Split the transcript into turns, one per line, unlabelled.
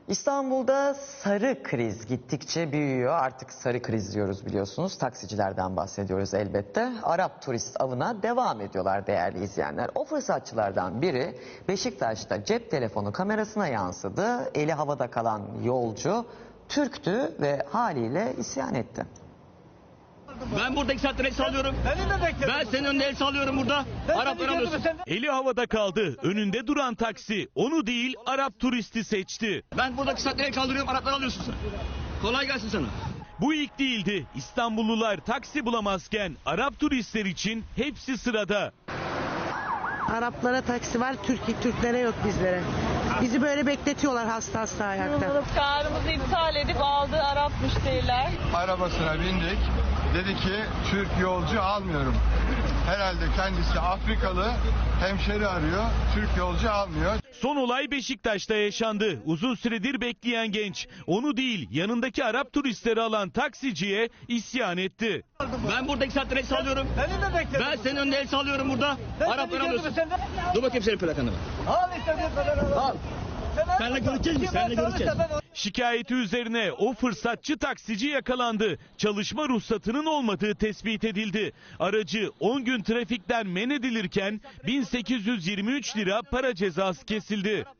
İstanbul'da sarı kriz gittikçe büyüyor. Artık sarı kriz diyoruz biliyorsunuz. Taksicilerden bahsediyoruz elbette. Arap turist avına devam ediyorlar değerli izleyenler. O fırsatçılardan biri Beşiktaş'ta cep telefonu kamerasına yansıdı. Eli havada kalan yolcu Türktü ve haliyle isyan etti.
Ben burada 2 saattir el sallıyorum. Ben senin önünde el sallıyorum burada. Araplar alıyorsun.
Eli havada kaldı. Önünde duran taksi onu değil Arap turisti seçti.
Ben burada 2 saattir el kaldırıyorum. Araplar alıyorsun sen. Kolay gelsin sana.
Bu ilk değildi. İstanbullular taksi bulamazken Arap turistler için hepsi sırada.
Araplara taksi var, Türklere yok bizlere. Bizi böyle bekletiyorlar hasta hasta ayakta.
Çağrımızı iptal edip aldığı Arap müşteriler.
Arabasına bindik. Dedi ki Türk yolcu almıyorum. Herhalde kendisi Afrikalı, hemşeri arıyor. Türk yolcu almıyor.
Son olay Beşiktaş'ta yaşandı. Uzun süredir bekleyen genç onu değil yanındaki Arap turistleri alan taksiciye isyan etti.
Ben burada 2 saattir el sallıyorum. Ben senin önünde el sallıyorum burada. Araplar alıyorsun. Dur bakayım senin plakanı. Al. Seninle görüşeceğiz mi? Seninle görüşeceğiz.
Şikayeti üzerine o fırsatçı taksici yakalandı. Çalışma ruhsatının olmadığı tespit edildi. Aracı 10 gün trafikten men edilirken 1823 lira para cezası kesildi.